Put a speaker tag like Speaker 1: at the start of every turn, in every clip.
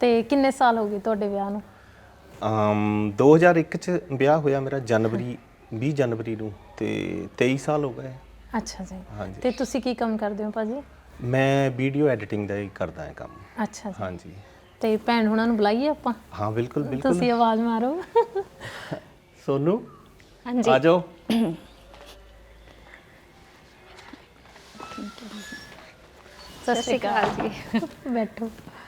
Speaker 1: ਤੇ ਕਿੰਨੇ ਸਾਲ ਹੋ ਗਏ ਤੁਹਾਡੇ ਵਿਆਹ ਨੂੰ?
Speaker 2: 2001 ਚ ਵਿਆਹ ਹੋਇਆ ਮੇਰਾ, ਜਨਵਰੀ 20 ਜਨਵਰੀ ਨੂੰ, ਤੇ 23 ਸਾਲ ਹੋ ਗਏ।
Speaker 1: ਅੱਛਾ ਜੀ।
Speaker 2: ਹਾਂਜੀ।
Speaker 1: ਤੇ ਤੁਸੀਂ ਕੀ ਕੰਮ ਕਰਦੇ ਹੋ ਭਾਜੀ?
Speaker 2: ਮੈਂ ਵੀਡੀਓ ਐਡੀਟਿੰਗ ਦਾ ਹੀ ਕਰਦਾ ਹਾਂ ਕੰਮ।
Speaker 1: ਅੱਛਾ ਜੀ।
Speaker 2: ਹਾਂਜੀ।
Speaker 1: ਤੇ ਭੈਣ ਹੁਣਾਂ ਨੂੰ ਬੁਲਾਈਏ ਆਪਾਂ?
Speaker 2: ਹਾਂ ਬਿਲਕੁਲ ਬਿਲਕੁਲ।
Speaker 1: ਤੁਸੀਂ ਆਵਾਜ਼ ਮਾਰੋ।
Speaker 2: ਸੋਨੂ
Speaker 3: ਹਾਂਜੀ
Speaker 2: ਆ ਜਾਓ।
Speaker 1: ਸਤਿ ਸ਼੍ਰੀ ਅਕਾਲ
Speaker 3: ਜੀ।
Speaker 1: ਬੈਠੋ।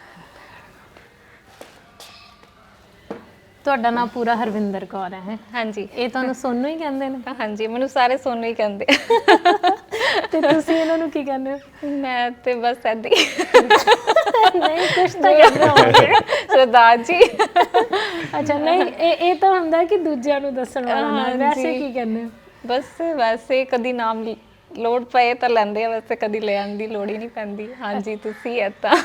Speaker 1: ਤੁਹਾਡਾ ਨਾਮ ਪੂਰਾ ਹਰਵਿੰਦਰ ਕੌਰ ਹੈ?
Speaker 3: ਹਾਂਜੀ।
Speaker 1: ਇਹ ਤੁਹਾਨੂੰ ਸੋਨੂ ਹੀ ਕਹਿੰਦੇ ਨੇ?
Speaker 3: ਹਾਂਜੀ, ਮੈਨੂੰ ਸਾਰੇ ਸੋਨੂ ਹੀ ਕਹਿੰਦੇ।
Speaker 1: ਤੇ ਤੁਸੀਂ ਇਹਨਾਂ ਨੂੰ ਕੀ ਕਹਿੰਦੇ ਹੋ?
Speaker 3: ਮੈਂ ਤੇ ਬਸ ਏਦਾਂ ਹੀ
Speaker 1: ਨਹੀਂ, ਕੁਛ ਤਾਂ ਕਹਿੰਦੇ ਹੋਣਗੇ।
Speaker 3: ਸਰਦਾਰ ਜੀ।
Speaker 1: ਅੱਛਾ, ਨਹੀਂ ਇਹ ਤਾਂ ਹੁੰਦਾ ਕਿ ਦੂਜਿਆਂ ਨੂੰ ਦੱਸਣ ਵਾਲਾ ਨਾ, ਵੈਸੇ ਕੀ ਕਹਿੰਦੇ ਹੋ?
Speaker 3: ਬਸ ਵੈਸੇ ਕਦੀ ਨਾਮ ਲੋੜ ਪਏ ਤਾਂ ਲੈਂਦੇ ਆ, ਵੈਸੇ ਕਦੀ ਲੈਣ ਦੀ ਲੋੜ ਹੀ ਨਹੀਂ ਪੈਂਦੀ। ਹਾਂਜੀ, ਤੁਸੀਂ ਏਦਾਂ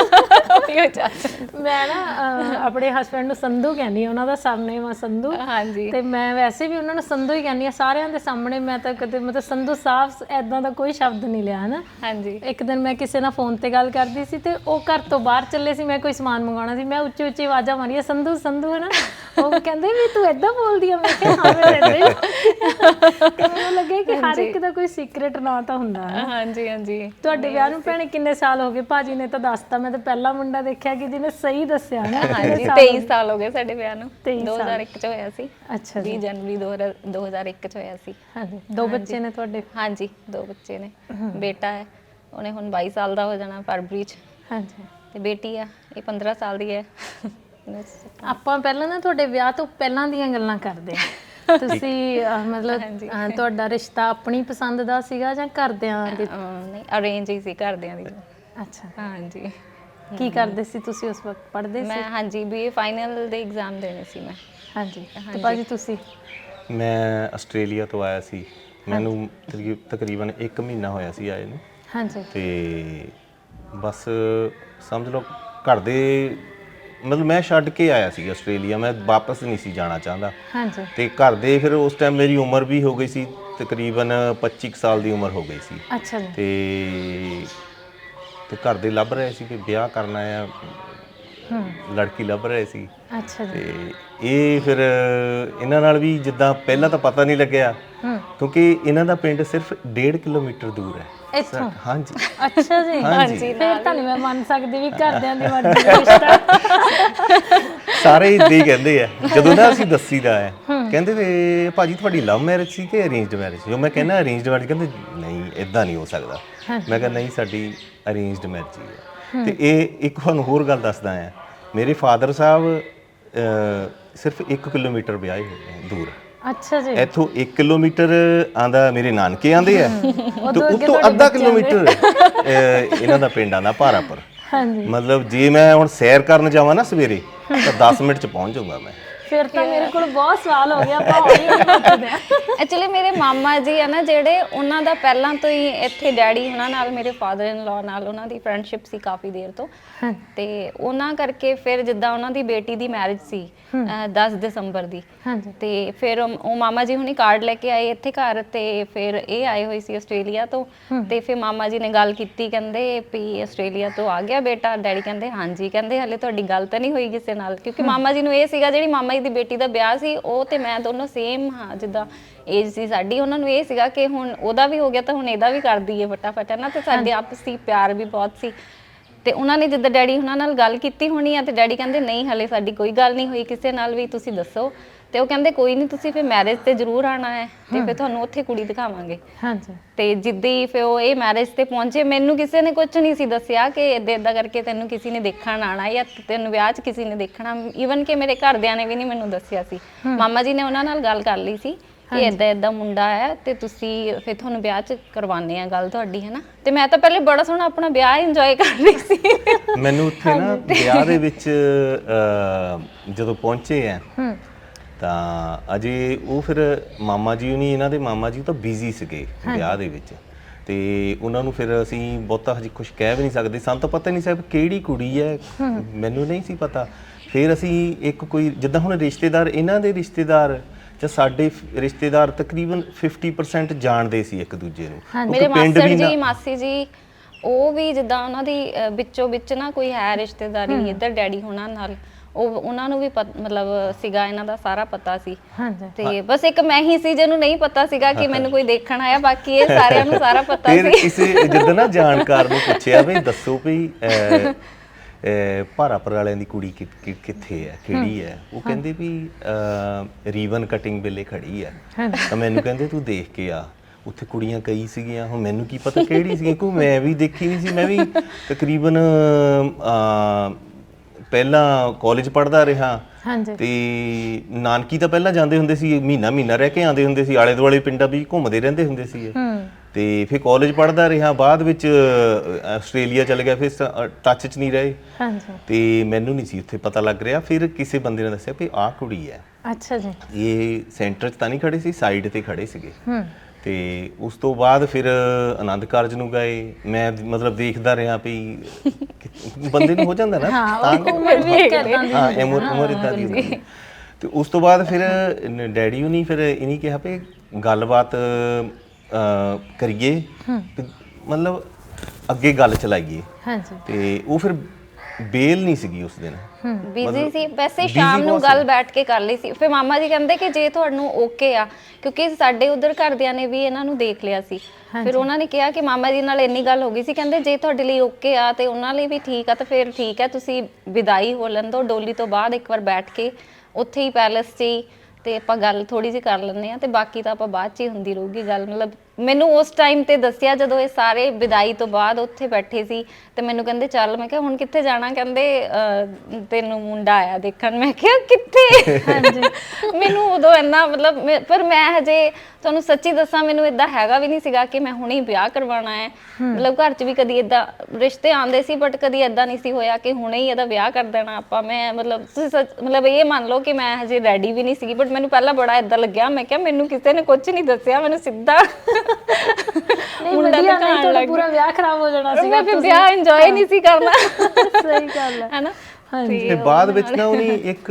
Speaker 1: ਮੈਂ ਨਾ ਆਪਣੇ ਹਸਬੈਂਡ ਨੂੰ ਸੰਧੂ ਕਹਿੰਦੀ ਹਾਂ, ਉਹਨਾਂ ਦਾ ਸਰਨੇਮ ਆ ਸੰਧੂ।
Speaker 3: ਹਾਂਜੀ।
Speaker 1: ਤੇ ਮੈਂ ਵੈਸੇ ਵੀ ਉਹਨਾਂ ਨੂੰ ਸੰਧੂ ਹੀ ਕਹਿੰਦੀ ਹਾਂ ਸਾਰਿਆਂ ਦੇ ਸਾਹਮਣੇ। ਮੈਂ ਤਾਂ ਕਦੇ ਮਤਲਬ ਸੰਧੂ ਸਾਹਿਬ ਐਦਾਂ ਦਾ ਕੋਈ ਸ਼ਬਦ ਨਹੀਂ ਲਿਆ, ਹਨਾ।
Speaker 3: ਹਾਂਜੀ।
Speaker 1: ਇੱਕ ਦਿਨ ਮੈਂ ਕਿਸੇ ਨਾਲ ਫੋਨ ਤੇ ਗੱਲ ਕਰਦੀ ਸੀ ਤੇ ਉਹ ਘਰ ਤੋਂ ਬਾਹਰ ਚੱਲੇ ਸੀ, ਮੈਂ ਕੋਈ ਸਮਾਨ ਮੰਗਵਾਉਣਾ ਸੀ, ਮੈਂ ਉੱਚੀ ਉੱਚੀ ਆਵਾਜ਼ਾਂ ਮਾਰੀਆਂ ਸੰਧੂ ਸੰਧੂ, ਹਨਾ। ਉਹ ਕਹਿੰਦੇ ਵੀ ਤੂੰ ਏਦਾਂ ਬੋਲਦੀ ਆ? ਮੈਂ ਕਿਹਾ ਹਾਂ, ਮੈਂ ਏਦਾਂ ਹੀ। ਤੇ ਮੈਨੂੰ ਲੱਗੇ ਕਿ ਹਰ ਇੱਕ ਦਾ ਕੋਈ ਸੀਕ੍ਰੇਟ ਨਾਂ ਤਾਂ ਹੁੰਦਾ ਹੈ।
Speaker 3: ਹਾਂਜੀ ਹਾਂਜੀ।
Speaker 1: ਤੁਹਾਡੇ ਵਿਆਹ ਨੂੰ ਭੈਣੇ ਕਿੰਨੇ ਸਾਲ ਹੋ ਗਏ? ਭਾਜੀ ਨੇ ਤਾਂ ਦੱਸਤਾ, ਮੈਂ ਤਾਂ ਪਹਿਲਾ ਮੁੰਡਾ ਦੇਖਿਆ ਕਿ ਜਿਹਨੇ ਸਹੀ ਦੱਸਿਆ ਨਾ।
Speaker 3: ਹਾਂਜੀ, 23 ਸਾਲ ਹੋ ਗਏ ਸਾਡੇ ਵਿਆਹ ਨੂੰ। 2001 ਚ ਹੋਇਆ ਸੀ।
Speaker 1: ਅੱਛਾ
Speaker 3: 20 ਜਨਵਰੀ 2001 ਚ ਹੋਇਆ ਸੀ।
Speaker 1: ਹਾਂਜੀ। 2 ਬੱਚੇ ਨੇ ਤੁਹਾਡੇ?
Speaker 3: ਹਾਂਜੀ, 2 ਬੱਚੇ ਨੇ। ਬੇਟਾ ਹੈ, ਉਹਨੇ ਹੁਣ 22 ਸਾਲ ਦਾ ਹੋ ਜਾਣਾ ਫਰਵਰੀ ਚ।
Speaker 1: ਹਾਂਜੀ।
Speaker 3: ਤੇ ਬੇਟੀ ਆ, ਇਹ 15 ਸਾਲ ਦੀ ਹੈ।
Speaker 1: ਆਪਾਂ ਪਹਿਲਾਂ ਨਾ ਤੁਹਾਡੇ ਵਿਆਹ ਤੋਂ ਪਹਿਲਾਂ ਦੀਆਂ ਗੱਲਾਂ ਕਰਦੇ ਹਾਂ। ਤੁਸੀਂ ਮਤਲਬ ਤੁਹਾਡਾ ਰਿਸ਼ਤਾ ਆਪਣੀ ਪਸੰਦ ਦਾ ਸੀਗਾ ਜਾਂ ਘਰਦਿਆਂ ਦੇ?
Speaker 3: ਨਹੀਂ, ਅਰੇਂਜ ਹੀ ਸੀ ਘਰਦਿਆਂ ਦੀ।
Speaker 1: ਅੱਛਾ।
Speaker 3: ਹਾਂਜੀ।
Speaker 1: ਕੀ ਕਰਦੇ ਸੀ ਤੁਸੀਂ ਉਸ ਵਕਤ? ਪੜ੍ਹਦੇ ਸੀ?
Speaker 3: ਮੈਂ ਹਾਂਜੀ BA ਫਾਈਨਲ ਦੇ ਐਗਜ਼ਾਮ ਦੇਣੇ ਸੀ ਮੈਂ।
Speaker 1: ਹਾਂਜੀ। ਤੇ ਭਾਜੀ ਤੁਸੀਂ?
Speaker 2: ਮੈਂ ਆਸਟ੍ਰੇਲੀਆ ਤੋਂ ਆਇਆ ਸੀ, ਮੈਨੂੰ ਤਕਰੀਬਨ 1 ਮਹੀਨਾ ਹੋਇਆ ਸੀ ਆਏ ਨੂੰ।
Speaker 1: ਹਾਂਜੀ।
Speaker 2: ਤੇ ਬਸ ਸਮਝ ਲਓ ਘਰ ਦੇ, ਮਤਲਬ ਮੈਂ ਛੱਡ ਕੇ ਆਇਆ ਸੀ ਆਸਟ੍ਰੇਲੀਆ, ਮੈਂ ਵਾਪਸ ਨਹੀਂ ਸੀ ਜਾਣਾ ਚਾਹੁੰਦਾ।
Speaker 1: ਹਾਂਜੀ।
Speaker 2: ਤੇ ਘਰ ਦੇ ਫਿਰ ਉਸ ਟਾਈਮ ਮੇਰੀ ਉਮਰ ਵੀ ਹੋ ਗਈ ਸੀ, ਤਕਰੀਬਨ 25 ਸਾਲ ਦੀ ਉਮਰ ਹੋ ਗਈ ਸੀ।
Speaker 1: ਅੱਛਾ ਜੀ।
Speaker 2: ਤੇ ਘਰ ਦੇ ਲੱਭ ਰਹੇ ਸੀ ਕਿ ਵਿਆਹ ਕਰਨਾ ਆ, ਲੜਕੀ ਲੱਭ ਰਹੇ ਸੀ।
Speaker 1: ਅੱਛਾ ਜੀ।
Speaker 2: ਤੇ ਇਹ ਫਿਰ ਇਹਨਾਂ ਨਾਲ ਵੀ ਜਿੱਦਾਂ ਪਹਿਲਾਂ ਤਾਂ ਪਤਾ ਨਹੀਂ ਲੱਗਿਆ, ਕਿਉਂਕਿ ਇਹਨਾਂ ਦਾ ਪਿੰਡ ਸਿਰਫ 1.5 ਕਿਲੋਮੀਟਰ ਦੂਰ ਹੈ
Speaker 1: ਇੱਥੋਂ?
Speaker 2: ਹਾਂਜੀ।
Speaker 1: ਅੱਛਾ ਜੀ।
Speaker 2: ਹਾਂਜੀ।
Speaker 1: ਫਿਰ ਤਾਂ ਨਹੀਂ ਮੈਂ ਮੰਨ ਸਕਦੀ ਵੀ ਘਰਦਿਆਂ ਦੀ ਮਰਜ਼ੀ ਦਾ ਰਿਸ਼ਤਾ।
Speaker 2: ਸਾਰੇ ਇੱਦਾਂ ਹੀ ਕਹਿੰਦੇ ਆ ਜਦੋਂ ਨਾ ਅਸੀਂ ਦੱਸੀਦਾ ਹੈ, ਕਹਿੰਦੇ ਵੀ ਭਾਜੀ ਤੁਹਾਡੀ ਲਵ ਮੈਰਿਜ ਸੀ ਕਿ ਅਰੇਂਜਡ ਮੈਰਿਜ? ਜੋ ਮੈਂ ਕਹਿੰਦਾ ਅਰੇਂਜਡ ਮੈਰਿਜ, ਕਹਿੰਦੇ ਨਹੀਂ ਇਦਾਂ ਨਹੀਂ ਹੋ ਸਕਦਾ। ਮੈਂ ਕਿਹਾ ਨਹੀਂ, ਸਾਡੀ ਅਰੇਂਜਡ ਮੈਰਿਜ ਹੀ ਹੈ। ਤੇ ਇਹ ਇੱਕ ਤੁਹਾਨੂੰ ਹੋਰ ਗੱਲ ਦੱਸਦਾ ਆ, ਮੇਰੇ ਫਾਦਰ ਸਾਹਿਬ ਸਿਰਫ 1 ਕਿਲੋਮੀਟਰ ਵਿਆਹੇ ਹੋਏ ਨੇ ਦੂਰ।
Speaker 1: ਅੱਛਾ ਜੀ।
Speaker 2: ਇੱਥੋਂ 1 ਕਿਲੋਮੀਟਰ ਆਂਦਾ ਮੇਰੇ ਨਾਨਕੇ ਆਂਦੇ ਆ, ਤੇ ਉੱਥੋਂ ਅੱਧਾ ਕਿਲੋਮੀਟਰ ਇਹਨਾਂ ਦਾ ਪਿੰਡ ਆਂਦਾ ਭਾਰਾਪੁਰ।
Speaker 1: ਹਾਂਜੀ।
Speaker 2: ਮਤਲਬ ਜੇ ਮੈਂ ਹੁਣ ਸੈਰ ਕਰਨ ਜਾਵਾਂ ਨਾ ਸਵੇਰੇ ਤਾਂ 10 ਮਿੰਟ ਚ ਪਹੁੰਚ ਜਾਊਂਗਾ ਮੈਂ।
Speaker 1: ਫਿਰ ਤਾਂ ਮੇਰੇ ਕੋਲ ਬਹੁਤ ਸਵਾਲ ਹੋ ਗਿਆ, ਆਪਾਂ ਹੌਲੀ ਹੌਲੀ ਪੁੱਛਦੇ ਹਾਂ।
Speaker 3: ਐਕਚੁਅਲੀ ਮੇਰੇ ਮਾਮਾ ਜੀ ਆ ਨਾ ਜਿਹੜੇ, ਉਹਨਾਂ ਦਾ ਪਹਿਲਾਂ ਤੋਂ ਹੀ ਇੱਥੇ ਡੈਡੀ ਉਹਨਾਂ ਨਾਲ, ਮੇਰੇ ਫਾਦਰ ਇਨ ਲਾ ਨਾਲ ਉਹਨਾਂ ਦੀ ਫਰੈਂਡਸ਼ਿਪ ਸੀ ਕਾਫੀ ਦੇਰ ਤੋਂ। ਤੇ ਉਹਨਾਂ ਕਰਕੇ ਫਿਰ ਜਿੱਦਾਂ ਉਹਨਾਂ ਦੀ ਬੇਟੀ ਦੀ ਮੈਰਿਜ ਸੀ 10 ਦਸੰਬਰ ਦੀ।
Speaker 1: ਹਾਂਜੀ।
Speaker 3: ਤੇ ਫਿਰ ਉਹ ਮਾਮਾ ਜੀ ਹੁਣੀ ਕਾਰਡ ਲੈ ਕੇ ਆਏ ਇੱਥੇ ਘਰ, ਤੇ ਫਿਰ ਇਹ ਆਏ ਹੋਏ ਸੀ ਆਸਟ੍ਰੇਲੀਆ ਤੋਂ। ਤੇ ਫਿਰ ਮਾਮਾ ਜੀ ਨੇ ਗੱਲ ਕੀਤੀ, ਕਹਿੰਦੇ ਵੀ ਆਸਟ੍ਰੇਲੀਆ ਤੋਂ ਆ ਗਿਆ ਬੇਟਾ? ਡੈਡੀ ਕਹਿੰਦੇ ਹਾਂਜੀ। ਕਹਿੰਦੇ ਹਲੇ ਤੁਹਾਡੀ ਗੱਲ ਤਾਂ ਨਹੀਂ ਹੋਈ ਕਿਸੇ ਨਾਲ? ਕਿਉਂਕਿ ਮਾਮਾ ਜੀ ਨੂੰ ਇਹ ਸੀਗਾ ਜਿਹੜੀ ਮਾਮਾ ਦੀ ਬੇਟੀ ਦਾ ਵਿਆਹ ਸੀ, ਉਹ ਤੇ ਮੈਂ ਦੋਨੋਂ ਸੇਮ ਹਾਂ, ਜਿੱਦਾਂ ਏਜ ਸੀ ਸਾਡੀ। ਉਹਨਾਂ ਨੂੰ ਇਹ ਸੀਗਾ ਕਿ ਹੁਣ ਉਹਦਾ ਵੀ ਹੋ ਗਿਆ ਤਾਂ ਹੁਣ ਇਹਦਾ ਵੀ ਕਰ ਦਈਏ ਫਟਾਫਟ, ਹੈ ਨਾ। ਤੇ ਸਾਡੇ ਆਪਸੀ ਪਿਆਰ ਵੀ ਬਹੁਤ ਸੀ। ਤੇ ਉਹਨਾਂ ਨੇ ਜਿੱਦਾਂ ਡੈਡੀ ਉਹਨਾਂ ਨਾਲ ਗੱਲ ਕੀਤੀ ਹੋਣੀ ਆ, ਤੇ ਡੈਡੀ ਕਹਿੰਦੇ ਨਹੀਂ ਹਲੇ ਸਾਡੀ ਕੋਈ ਗੱਲ ਨਹੀਂ ਹੋਈ ਕਿਸੇ ਨਾਲ ਵੀ, ਤੁਸੀਂ ਦੱਸੋ। ਤੇ ਉਹ ਕਹਿੰਦੇ ਕੋਈ ਨਹੀਂ, ਤੁਸੀਂ ਫਿਰ ਮੈਰਿਜ ਤੇ ਜ਼ਰੂਰ ਆਉਣਾ ਹੈ, ਤੇ ਫਿਰ ਤੁਹਾਨੂੰ ਉੱਥੇ ਕੁੜੀ ਦਿਖਾਵਾਂਗੇ। ਹਾਂਜੀ। ਤੇ ਜਿੱਦੀ ਫਿਰ ਉਹ ਇਹ ਮੈਰਿਜ ਤੇ ਪਹੁੰਚੇ, ਮੈਨੂੰ ਕਿਸੇ ਨੇ ਕੁਝ ਨਹੀਂ ਸੀ ਦੱਸਿਆ ਕਿ ਇੱਦਾਂ ਕਰਕੇ ਤੈਨੂੰ ਕਿਸੇ ਨੇ ਦੇਖਣ ਆਉਣਾ ਜਾਂ ਤੈਨੂੰ ਵਿਆਹ 'ਚ ਕਿਸੇ ਨੇ ਦੇਖਣਾ। ਈਵਨ ਕਿ ਮੇਰੇ ਘਰਦਿਆਂ ਨੇ ਵੀ ਨਹੀਂ ਮੈਨੂੰ ਦੱਸਿਆ ਸੀ। ਮਾਮਾ ਜੀ ਨੇ ਉਹਨਾਂ ਨਾਲ ਗੱਲ ਕਰ ਲਈ ਸੀ ਕਿ ਇੱਦਾਂ ਮੁੰਡਾ ਹੈ, ਤੇ ਤੁਸੀਂ ਫਿਰ ਤੁਹਾਨੂੰ ਵਿਆਹ 'ਚ ਕਰਵਾਉਂਦੇ ਆ ਗੱਲ ਤੁਹਾਡੀ, ਹੈ ਨਾ। ਤੇ ਮੈਂ ਤਾਂ ਪਹਿਲੇ ਬੜਾ ਸੋਹਣਾ ਆਪਣਾ ਵਿਆਹ ਇੰਜੋਏ ਕਰ ਰਹੀ ਸੀ। ਮੈਨੂੰ
Speaker 2: ਉੱਥੇ ਨਾ ਵਿਆਹ ਦੇ ਵਿੱਚ ਜਦੋਂ ਪਹੁੰਚੇ ਆ ਤਾਂ ਅਜੇ ਉਹ ਫਿਰ ਮਾਮਾ ਜੀ ਹੁਣੀ, ਇਹਨਾਂ ਦੇ ਮਾਮਾ ਜੀ ਤਾਂ ਬਿਜ਼ੀ ਸੀਗੇ ਵਿਆਹ ਦੇ ਵਿੱਚ, ਤੇ ਉਹਨਾਂ ਨੂੰ ਫਿਰ ਅਸੀਂ ਬਹੁਤਾ ਹਜੇ ਕੁਝ ਕਹਿ ਵੀ ਨਹੀਂ ਸਕਦੇ। ਸਾਨੂੰ ਤਾਂ ਪਤਾ ਨਹੀਂ ਸੀ ਕਿਹੜੀ ਕੁੜੀ ਹੈ, ਮੈਨੂੰ ਨਹੀਂ ਸੀ ਪਤਾ। ਫਿਰ ਅਸੀਂ ਇੱਕ ਕੋਈ ਜਿੱਦਾਂ ਹੁਣ ਰਿਸ਼ਤੇਦਾਰ, ਇਹਨਾਂ ਦੇ ਰਿਸ਼ਤੇਦਾਰ ਜਾਂ ਸਾਡੇ ਰਿਸ਼ਤੇਦਾਰ ਤਕਰੀਬਨ 50% ਜਾਣਦੇ ਸੀ ਇੱਕ ਦੂਜੇ ਨੂੰ।
Speaker 3: ਮੇਰੇ ਮਾਸਟਰ ਜੀ, ਮਾਸੀ ਜੀ, ਉਹ ਵੀ ਜਿੱਦਾਂ ਉਹਨਾਂ ਦੀ ਵਿੱਚੋਂ ਵਿੱਚ ਨਾ ਕੋਈ ਹੈ ਰਿਸ਼ਤੇਦਾਰੀ ਇੱਧਰ ਡੈਡੀ ਹੋਣਾ ਨਾਲ, ਉਹ ਉਹਨਾਂ ਨੂੰ ਵੀ ਮਤਲਬ ਸੀਗਾ ਇਹਨਾਂ ਦਾ ਸਾਰਾ ਪਤਾ ਸੀ।
Speaker 1: ਹਾਂਜੀ।
Speaker 3: ਤੇ ਬਸ ਇੱਕ ਮੈਂ ਹੀ ਸੀ ਜਿਹਨੂੰ ਨਹੀਂ ਪਤਾ ਸੀਗਾ ਕਿ ਮੈਨੂੰ ਕੋਈ ਦੇਖਣ ਆਇਆ, ਬਾਕੀ ਇਹ ਸਾਰਿਆਂ ਨੂੰ ਸਾਰਾ ਪਤਾ
Speaker 2: ਫਿਰ
Speaker 3: ਸੀ।
Speaker 2: ਕਿਸੇ ਜਿੱਦਾਂ ਨਾ ਜਾਣਕਾਰ ਨੂੰ ਪੁੱਛਿਆ ਵੀ ਦੱਸੋ ਵੀ ਭਾਰਾਪੁਰ ਵਾਲਿਆਂ ਦੀ ਕੁੜੀ ਕਿੱਥੇ ਹੈ, ਕਿਹੜੀ ਹੈ? ਉਹ ਕਹਿੰਦੇ ਵੀ ਰੀਵਨ ਕਟਿੰਗ ਵੇਲੇ ਖੜੀ ਹੈ। ਤਾਂ ਮੈਨੂੰ ਕਹਿੰਦੇ ਤੂੰ ਦੇਖ ਕੇ ਆ, ਉੱਥੇ ਕੁੜੀਆਂ ਕਈ ਸੀਗੀਆਂ, ਹੁਣ ਮੈਨੂੰ ਕੀ ਪਤਾ ਕਿਹੜੀ ਸੀ, ਕਿਉਂਕਿ ਮੈਂ ਵੀ ਦੇਖੀ ਨਹੀਂ ਸੀ। ਮੈਂ ਵੀ ਤਕਰੀਬਨ ਪਹਿਲਾਂ ਕਾਲਜ ਪੜ੍ਹਦਾ ਰਿਹਾ ਤੇ ਨਾਨਕੀ ਤਾਂ ਪਹਿਲਾਂ ਜਾਂਦੇ ਹੁੰਦੇ ਸੀ, ਮਹੀਨਾ ਰਹਿ ਕੇ ਆਉਂਦੇ ਹੁੰਦੇ ਸੀ, ਆਲੇ ਦੁਆਲੇ ਪਿੰਡਾਂ ਵੀ ਘੁੰਮਦੇ ਰਹਿੰਦੇ ਹੁੰਦੇ ਸੀ। ਤੇ ਫਿਰ ਕਾਲਜ ਪੜ੍ਹਦਾ ਰਿਹਾ, ਬਾਅਦ ਵਿੱਚ ਆਸਟ੍ਰੇਲੀਆ ਚਲ ਗਿਆ, ਫਿਰ ਟੱਚ 'ਚ ਨਹੀਂ ਰਹੇ ਤੇ ਮੈਨੂੰ ਨਹੀਂ ਸੀ ਉੱਥੇ ਪਤਾ ਲੱਗ ਰਿਹਾ। ਫਿਰ ਕਿਸੇ ਬੰਦੇ ਨੇ ਦੱਸਿਆ ਵੀ ਆਹ ਕੁੜੀ ਹੈ।
Speaker 1: ਅੱਛਾ ਜੀ।
Speaker 2: ਇਹ ਸੈਂਟਰ 'ਚ ਤਾਂ ਨਹੀਂ ਖੜੇ ਸੀ, ਸਾਈਡ ਤੇ ਖੜੇ ਸੀਗੇ। ਤੇ ਉਸ ਤੋਂ ਬਾਅਦ ਫਿਰ ਆਨੰਦ ਕਾਰਜ ਨੂੰ ਗਏ। ਮੈਂ ਮਤਲਬ ਦੇਖਦਾ ਰਿਹਾ ਵੀ ਬੰਦੇ ਨੂੰ ਹੋ ਜਾਂਦਾ ਨਾ
Speaker 1: ਉਮਰ
Speaker 2: ਇਦਾਂ ਦੀ ਹੁੰਦੀ। ਤੇ ਉਸ ਤੋਂ ਬਾਅਦ ਫਿਰ ਡੈਡੀ ਹੁਣੀ ਫਿਰ ਇਹਨੀ ਕਿਹਾ ਵੀ ਗੱਲਬਾਤ ਕਰੀਏ, ਮਤਲਬ ਅੱਗੇ ਗੱਲ ਚਲਾਈਏ। ਤੇ ਉਹ ਫਿਰ ਬੇਲ ਨਹੀਂ ਸੀਗੀ ਉਸ ਦਿਨ,
Speaker 3: ਬਿਜ਼ੀ ਸੀ। ਵੈਸੇ ਸ਼ਾਮ ਨੂੰ ਗੱਲ ਬੈਠ ਕੇ ਕਰ ਲਈ ਸੀ। ਫਿਰ ਮਾਮਾ ਜੀ ਕਹਿੰਦੇ ਕਿ ਜੇ ਤੁਹਾਨੂੰ ਓਕੇ ਆ, ਕਿਉਂਕਿ ਸਾਡੇ ਉਧਰ ਘਰਦਿਆਂ ਨੇ ਵੀ ਇਹਨਾਂ ਨੂੰ ਦੇਖ ਲਿਆ ਸੀ, ਫਿਰ ਉਹਨਾਂ ਨੇ ਕਿਹਾ ਕਿ ਮਾਮਾ ਜੀ ਨਾਲ ਇੰਨੀ ਗੱਲ ਹੋ ਗਈ ਸੀ, ਕਹਿੰਦੇ ਜੇ ਤੁਹਾਡੇ ਲਈ ਓਕੇ ਆ ਤੇ ਉਹਨਾਂ ਲਈ ਵੀ ਠੀਕ ਆ, ਤਾਂ ਫਿਰ ਠੀਕ ਹੈ, ਤੁਸੀਂ ਵਿਦਾਈ ਹੋ ਲੈਣ ਦਿਓ। ਡੋਲੀ ਤੋਂ ਬਾਅਦ ਇੱਕ ਵਾਰ ਬੈਠ ਕੇ ਉੱਥੇ ਹੀ ਪੈਲਸ 'ਚ ਹੀ ਤੇ ਆਪਾਂ ਗੱਲ ਥੋੜੀ ਜਿਹੀ ਕਰ ਲੈਂਦੇ ਆ, ਤੇ ਬਾਕੀ ਤਾਂ ਆਪਾਂ ਬਾਅਦ 'ਚ ਹੀ ਹੁੰਦੀ ਰਹੂਗੀ ਗੱਲ। ਮਤਲਬ ਮੈਨੂੰ ਉਸ ਟਾਈਮ ਤੇ ਦੱਸਿਆ ਜਦੋਂ ਇਹ ਸਾਰੇ ਵਿਦਾਈ ਤੋਂ ਬਾਅਦ ਉੱਥੇ ਬੈਠੇ ਸੀ, ਤੇ ਮੈਨੂੰ ਕਹਿੰਦੇ ਚੱਲ। ਮੈਂ ਕਿਹਾ ਹੁਣ ਕਿੱਥੇ ਜਾਣਾ? ਕਹਿੰਦੇ ਤੈਨੂੰ ਮੁੰਡਾ ਆਇਆ ਦੇਖਣ। ਮੈਂ ਕਿਹਾ ਕਿੱਥੇ? ਮੈਨੂੰ ਉਦੋਂ ਇੰਨਾ ਮਤਲਬ, ਪਰ ਮੈਂ ਹਜੇ ਤੁਹਾਨੂੰ ਸੱਚੀ ਦੱਸਾਂ, ਮੈਨੂੰ ਇਦਾਂ ਹੈਗਾ ਵੀ ਨਹੀਂ ਸੀਗਾ ਕਿ ਮੈਂ ਹੁਣੇ ਵਿਆਹ ਕਰਵਾਉਣਾ ਹੈ। ਮਤਲਬ ਘਰ 'ਚ ਵੀ ਕਦੀ ਇਦਾਂ ਰਿਸ਼ਤੇ ਆਉਂਦੇ ਸੀ, ਬਟ ਕਦੀ ਇਦਾਂ ਨਹੀਂ ਸੀ ਹੋਇਆ ਕਿ ਹੁਣੇ ਹੀ ਇਹਦਾ ਵਿਆਹ ਕਰ ਦੇਣਾ ਆਪਾਂ। ਮੈਂ ਮਤਲਬ ਤੁਸੀਂ ਮਤਲਬ ਇਹ ਮੰਨ ਲਓ ਕਿ ਮੈਂ ਹਜੇ ਰੈਡੀ ਵੀ ਨਹੀਂ ਸੀਗੀ, ਬਟ ਮੈਨੂੰ ਪਹਿਲਾਂ ਬੜਾ ਇਦਾਂ ਲੱਗਿਆ। ਮੈਂ ਕਿਹਾ ਮੈਨੂੰ ਕਿਸੇ ਨੇ ਕੁਝ ਨਹੀਂ ਦੱਸਿਆ, ਮੈਨੂੰ ਸਿੱਧਾ
Speaker 1: ਮੁੰਡਾ ਦਿਖਾਉਣ ਲੱਗ ਪੂਰਾ ਵਿਆਹ ਖਰਾਬ ਹੋ ਜਾਣਾ ਸੀਗਾ।
Speaker 3: ਮੈਂ ਵਿਆਹ ਇੰਜੋਏ ਨਹੀਂ ਸੀ ਕਰਨਾ।
Speaker 1: ਸਹੀ ਗੱਲ ਹੈ
Speaker 3: ਹੈਨਾ।
Speaker 2: ਤੇ ਬਾਅਦ ਵਿੱਚ ਨਾ ਉਹਨੇ ਇੱਕ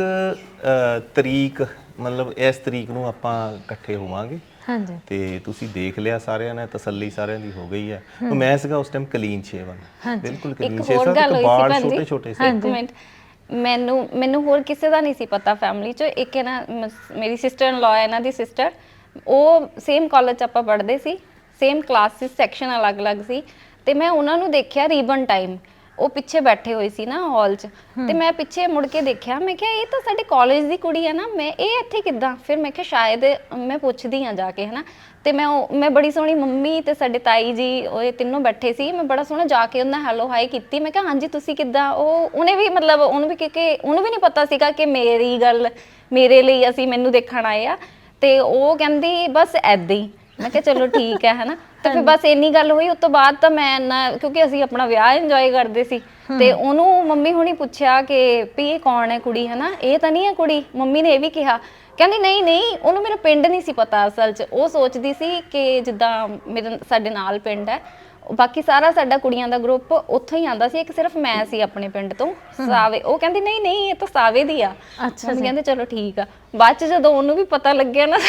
Speaker 2: ਤਰੀਕ, ਮਤਲਬ ਇਸ ਤਰੀਕ ਨੂੰ ਆਪਾਂ ਇਕੱਠੇ ਹੋਵਾਂਗੇ। ਤੇ ਤੁਸੀਂ ਦੇਖ ਲਿਆ, ਸਾਰਿਆਂ ਨੇ ਤਸੱਲੀ ਸਾਰਿਆਂ ਦੀ ਹੋ ਗਈ ਹੈ। ਮੈਂ ਸੀਗਾ ਉਸ ਟਾਈਮ ਕਲੀਨ ਸ਼ੇਵਨ, ਬਿਲਕੁਲ ਕਲੀਨ ਸ਼ੇਵਨ, ਤੇ ਬਾਲ ਛੋਟੇ ਛੋਟੇ ਸੀ।
Speaker 3: ਇੱਕ ਮਿੰਟ, ਮੈਨੂੰ ਹੋਰ ਕਿਸੇ ਦਾ ਨਹੀਂ ਸੀ ਪਤਾ ਫੈਮਿਲੀ 'ਚ। ਇੱਕ ਹੈ ਨਾ ਮੇਰੀ ਸਿਸਟਰ ਇਨ ਲਾਅ, ਇਹਨਾਂ ਦੀ ਸਿਸਟਰ, ਉਹ ਸੇਮ ਕਾਲਜ 'ਚ ਆਪਾਂ ਪੜ੍ਹਦੇ ਸੀ, ਸੇਮ ਕਲਾਸਿਸ, ਸੈਕਸ਼ਨ ਅਲੱਗ-ਅਲੱਗ ਸੀ। ਤੇ ਮੈਂ ਉਹਨਾਂ ਨੂੰ ਦੇਖਿਆ ਰੀਬਨ ਟਾਈਮ, ਉਹ ਪਿੱਛੇ ਬੈਠੇ ਹੋਏ ਸੀ ਨਾ ਹਾਲ 'ਚ, ਤੇ ਮੈਂ ਪਿੱਛੇ ਮੁੜ ਕੇ ਦੇਖਿਆ। ਮੈਂ ਕਿਹਾ ਇਹ ਤਾਂ ਸਾਡੇ ਕਾਲਜ ਦੀ ਕੁੜੀ ਹੈ ਨਾ, ਇਹ ਇੱਥੇ ਕਿੱਦਾਂ? ਫਿਰ ਮੈਂ ਕਿਹਾ ਸ਼ਾਇਦ ਮੈਂ ਪੁੱਛਦੀ ਹਾਂ ਜਾ ਕੇ, ਹੈ ਨਾ। ਤੇ ਮੈਂ ਬੜੀ ਸੋਹਣੀ, ਮੰਮੀ ਤੇ ਸਾਡੇ ਤਾਈ ਜੀ ਉਹ ਤਿੰਨੋਂ ਬੈਠੇ ਸੀ, ਮੈਂ ਬੜਾ ਸੋਹਣਾ ਜਾ ਕੇ ਉਹਨਾਂ ਹੈਲੋ ਹਾਈ ਕੀਤੀ। ਮੈਂ ਕਿਹਾ ਹਾਂਜੀ ਤੁਸੀਂ ਕਿੱਦਾਂ? ਉਹਨੇ ਵੀ ਮਤਲਬ ਉਹਨੂੰ ਵੀ, ਕਿਉਂਕਿ ਉਹਨੂੰ ਵੀ ਨਹੀਂ ਪਤਾ ਸੀਗਾ ਕਿ ਮੇਰੀ ਗੱਲ ਮੇਰੇ ਲਈ ਮੈਨੂੰ ਦੇਖਣ ਆਏ ਆ। ਤੇ ਉਹ ਕਹਿੰਦੀ ਬਸ ਐਦਾਂ ਹੀ। ਮੈਂ ਕਿਹਾ ਚਲੋ ਠੀਕ ਹੈ, ਹਨਾ। ਤੇ ਫਿਰ ਬਸ ਇੰਨੀ ਗੱਲ ਹੋਈ। ਉਸ ਤੋਂ ਬਾਅਦ ਤਾਂ ਮੈਂ ਕਿਉਂਕਿ ਅਸੀਂ ਆਪਣਾ ਵਿਆਹ ਇੰਜੋਏ ਕਰਦੇ ਸੀ, ਤੇ ਉਹਨੂੰ ਮੰਮੀ ਹੁਣੀ ਪੁੱਛਿਆ ਕਿ ਵੀ ਇਹ ਕੌਣ ਹੈ ਕੁੜੀ, ਹਨਾ, ਇਹ ਤਾਂ ਨਹੀਂ ਹੈ ਕੁੜੀ? ਮੰਮੀ ਨੇ ਇਹ ਵੀ ਕਿਹਾ, ਕਹਿੰਦੀ ਨਹੀਂ, ਉਹਨੂੰ ਮੇਰਾ ਪਿੰਡ ਨਹੀਂ ਸੀ ਪਤਾ ਅਸਲ 'ਚ। ਉਹ ਸੋਚਦੀ ਸੀ ਕਿ ਜਿੱਦਾਂ ਸਾਡੇ ਨਾਲ ਪਿੰਡ ਹੈ, ਬਾਕੀ ਸਾਰਾ ਸਾਡਾ ਕੁੜੀਆਂ ਦਾ ਗਰੁੱਪ ਉੱਥੋਂ ਹੀ ਆਉਂਦਾ ਸੀ, ਇੱਕ ਸਿਰਫ ਮੈਂ ਸੀ ਆਪਣੇ ਪਿੰਡ ਤੋਂ, ਸਾਵੇ। ਉਹ ਕਹਿੰਦੀ ਨਹੀਂ ਇਹ ਤਾਂ ਸਾਵੇ ਦੀ ਆ। ਮੰਮੀ ਕਹਿੰਦੇ ਚਲੋ ਠੀਕ ਆ। ਬਾਅਦ 'ਚ ਜਦੋਂ ਉਹਨੂੰ ਵੀ ਪਤਾ ਲੱਗਿਆ ਨਾ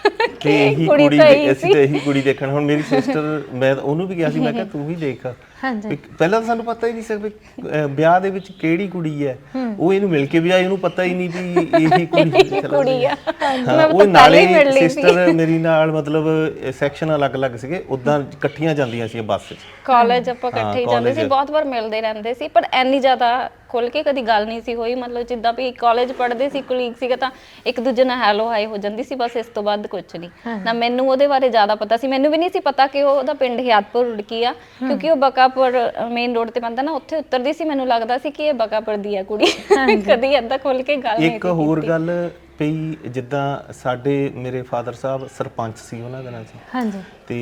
Speaker 2: ਤੇ ਇਹੀ ਕੁੜੀ, ਅਸੀਂ ਤਾਂ ਇਹੀ ਕੁੜੀ ਦੇਖਣ। ਹੁਣ ਮੇਰੀ ਸਿਸਟਰ, ਮੈਂ ਉਹਨੂੰ ਵੀ ਕਿਹਾ ਸੀ, ਮੈਂ ਕਿਹਾ ਤੂੰ ਵੀ ਦੇਖ। ਪਹਿਲਾਂ ਤਾਂ ਸਾਨੂੰ ਪਤਾ ਹੀ ਨਹੀਂ ਸੀ ਵੀ ਵਿਆਹ ਦੇ ਵਿੱਚ ਕਿਹੜੀ ਕੁੜੀ ਹੈ। ਉਹ ਇਹਨੂੰ ਮਿਲ ਕੇ ਵੀ ਆਈ, ਉਹਨੂੰ ਪਤਾ ਹੀ ਨਹੀਂ ਵੀ ਇਹੀ ਕੁੜੀ ਆ। ਉਹ ਨਾਲੇ ਸਿਸਟਰ ਮੇਰੀ ਨਾਲ ਮਤਲਬ ਸੈਕਸ਼ਨ ਅਲੱਗ-ਅਲੱਗ ਸੀਗੇ, ਉਦਾਂ ਇਕੱਠੀਆਂ ਜਾਂਦੀਆਂ ਸੀ ਬੱਸ 'ਚ।
Speaker 3: ਕਾਲਜ ਆਪਾਂ ਇਕੱਠੇ ਹੀ ਜਾਂਦੇ ਸੀ, ਬਹੁਤ ਵਾਰ ਮਿਲਦੇ ਰਹਿੰਦੇ ਸੀ, ਪਰ ਇੰਨੀ ਜ਼ਿਆਦਾ ਖੁੱਲ ਕੇ ਕਦੀ ਗੱਲ ਨਹੀਂ ਸੀ ਹੋਈ। ਮਤਲਬ ਜਿੱਦਾਂ ਵੀ ਕਾਲਜ ਪੜ੍ਹਦੇ ਸੀ, ਕੁਲੀਗ ਸੀਗਾ, ਤਾਂ ਇੱਕ ਦੂਜੇ ਨਾਲ ਹੈਲੋ ਹਾਈ ਹੋ ਜਾਂਦੀ ਸੀ, ਬਸ। ਇਸ ਤੋਂ ਬਾਅਦ ਕੁਛ ਨਹੀਂ ਨਾ। ਮੈਨੂੰ ਉਹਦੇ ਬਾਰੇ ਜ਼ਿਆਦਾ ਪਤਾ ਸੀ। ਮੈਨੂੰ ਵੀ ਨਹੀਂ ਸੀ ਪਤਾ ਕਿ ਉਹਦਾ ਪਿੰਡ ਹਿਆਤਪੁਰ ਰੁੜਕੀ ਆ, ਕਿਉਂਕਿ ਉਹ ਬਕਾਪੁਰ ਮੇਨ ਰੋਡ ਤੇ ਪੈਂਦਾ ਨਾ, ਉੱਥੇ ਉਤਰਦੀ ਸੀ। ਮੈਨੂੰ ਲੱਗਦਾ ਸੀ ਕਿ ਇਹ ਬਕਾਪੁਰ ਦੀ ਆ ਕੁੜੀ। ਕਦੀ ਏਦਾਂ ਖੁੱਲ ਕੇ ਗੱਲ ਨਹੀਂ ਸੀ।
Speaker 2: ਇੱਕ ਹੋਰ ਗੱਲ ਪਈ, ਜਿੱਦਾਂ ਮੇਰੇ ਫਾਦਰ ਸਾਹਿਬ ਸਰਪੰਚ ਸੀ ਉਹਨਾਂ ਦਿਨਾਂ 'ਚ, ਤੇ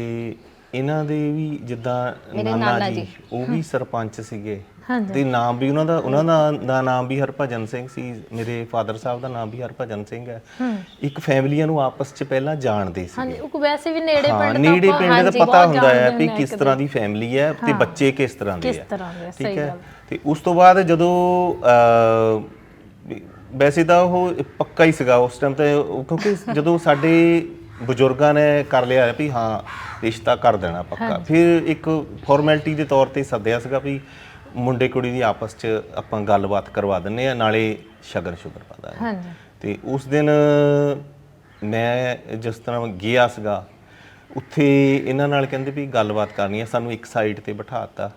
Speaker 2: ਇਹਨਾਂ ਦੇ ਵੀ ਜਿੱਦਾਂ ਨਾਨਾ ਜੀ ਉਹ ਵੀ ਸਰਪੰਚ ਸੀਗੇ, ਤੇ ਨਾਮ ਵੀ ਉਹਨਾਂ ਦਾ ਨਾਮ ਵੀ ਹਰਭਜਨ ਸਿੰਘ ਸੀ। ਮੇਰੇ ਫਾਦਰ ਸਾਹਿਬ ਦਾ ਨਾਮ ਵੀ ਹਰਭਜਨ ਸਿੰਘ ਹੈ। ਇੱਕ ਫੈਮਲੀਆਂ ਨੂੰ ਆਪਸ 'ਚ ਪਹਿਲਾਂ ਜਾਣਦੇ ਸੀ।
Speaker 1: ਵੈਸੇ ਵੀ ਨੇੜੇ
Speaker 2: ਪਿੰਡ ਦਾ ਪਤਾ ਹੁੰਦਾ ਹੈ ਵੀ ਕਿਸ ਤਰ੍ਹਾਂ ਦੀ ਫੈਮਿਲੀ ਹੈ ਤੇ ਬੱਚੇ ਕਿਸ ਤਰ੍ਹਾਂ ਦੇ ਹੈ, ਠੀਕ ਹੈ। ਤੇ ਉਸ ਤੋਂ ਬਾਅਦ ਜਦੋਂ ਵੈਸੇ ਤਾਂ ਉਹ ਪੱਕਾ ਹੀ ਸੀਗਾ ਉਸ ਟਾਈਮ ਤੇ, ਕਿਉਂਕਿ ਜਦੋਂ ਸਾਡੇ ਬਜ਼ੁਰਗਾਂ ਨੇ ਕਰ ਲਿਆ ਵੀ ਹਾਂ ਰਿਸ਼ਤਾ ਕਰ ਦੇਣਾ ਪੱਕਾ। ਫਿਰ ਇੱਕ ਫਾਰਮੈਲਿਟੀ ਦੇ ਤੌਰ ਤੇ ਸੱਦਿਆ ਸੀਗਾ ਵੀ ਮੁੰਡੇ ਕੁੜੀ ਦੀ ਆਪਸ 'ਚ ਆਪਾਂ ਗੱਲਬਾਤ ਕਰਵਾ ਦਿੰਨੇ ਆ, ਨਾਲੇ ਸ਼ਗਨ ਸ਼ੁਗਰ ਪਾ ਦਾਂਗੇ।
Speaker 1: ਹਾਂਜੀ।
Speaker 2: ਤੇ ਉਸ ਦਿਨ ਮੈਂ ਜਿਸ ਤਰ੍ਹਾਂ ਗਿਆ ਸੀਗਾ ਉੱਥੇ ਇਹਨਾਂ ਨਾਲ ਕਹਿੰਦੇ ਵੀ ਗੱਲਬਾਤ ਕਰਨੀ ਹੈ, ਸਾਨੂੰ ਇੱਕ ਸਾਈਡ ਤੇ ਬਿਠਾਤਾ।